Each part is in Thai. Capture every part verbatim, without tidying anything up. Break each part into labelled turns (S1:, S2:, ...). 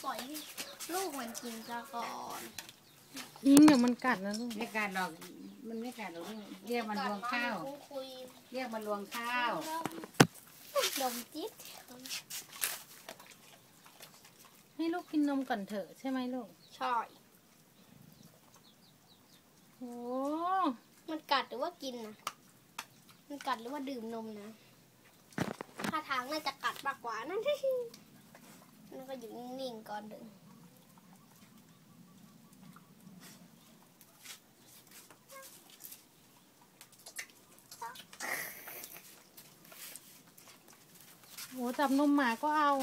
S1: ปล่อยให้ลูกมันกินซะก่อน
S2: ยิงเดี๋ยวมันกัดนะลูก
S3: ไม่กัดหรอกมันไม่กัดหรอกเรียกมันรวงข้าวเรียกมันรวงข้าว
S1: ดมจิ๊ด
S2: ให้ลูกกินนมก่อนเถอะใช่ไหมลูก
S1: ใช่
S2: โอ้
S1: มันกัดหรือว่ากินนะมันกัดหรือว่าดื่มนมนะท่าทางน่าจะกัดมากกว่านั่นที่นั่นก็อยู่นิ่งๆก่อนเดิน
S2: โหจับนมหมาก็เอา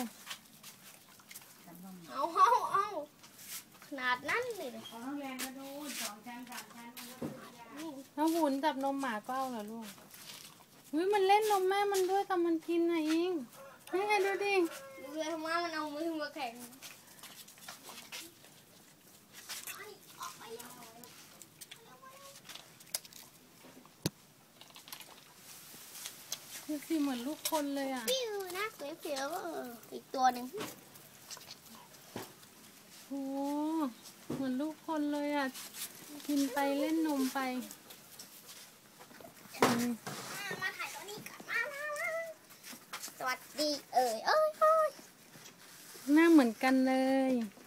S1: เอาเอาเอาขนาดนั้นเลย
S3: ขอน้องแรงมาดูสองชั้นสามชั้น
S2: น้องหุนจับนมหมาก็เอาเหรอลูกอุ้ยมันเล่นนมแม่มันด้วยแต่มันกินนะอิงนี่ไงดูดิ
S1: ดูเลยว่ามันเอามือมาแข่ง
S2: ดูสิเหมือนลูกคนเลยอ่ะ
S1: ปิ้วนะเสียวๆอีกตัวหนึ่ง
S2: โอ้เหมือนลูกคนเลยอ่ะกินไปเล่นนมไป
S1: มาถ่ายตัวนี้กันมาสวัสดีเอ่ยเอ้ยเอ้ย
S2: หน้าเหมือนกันเลย
S1: ส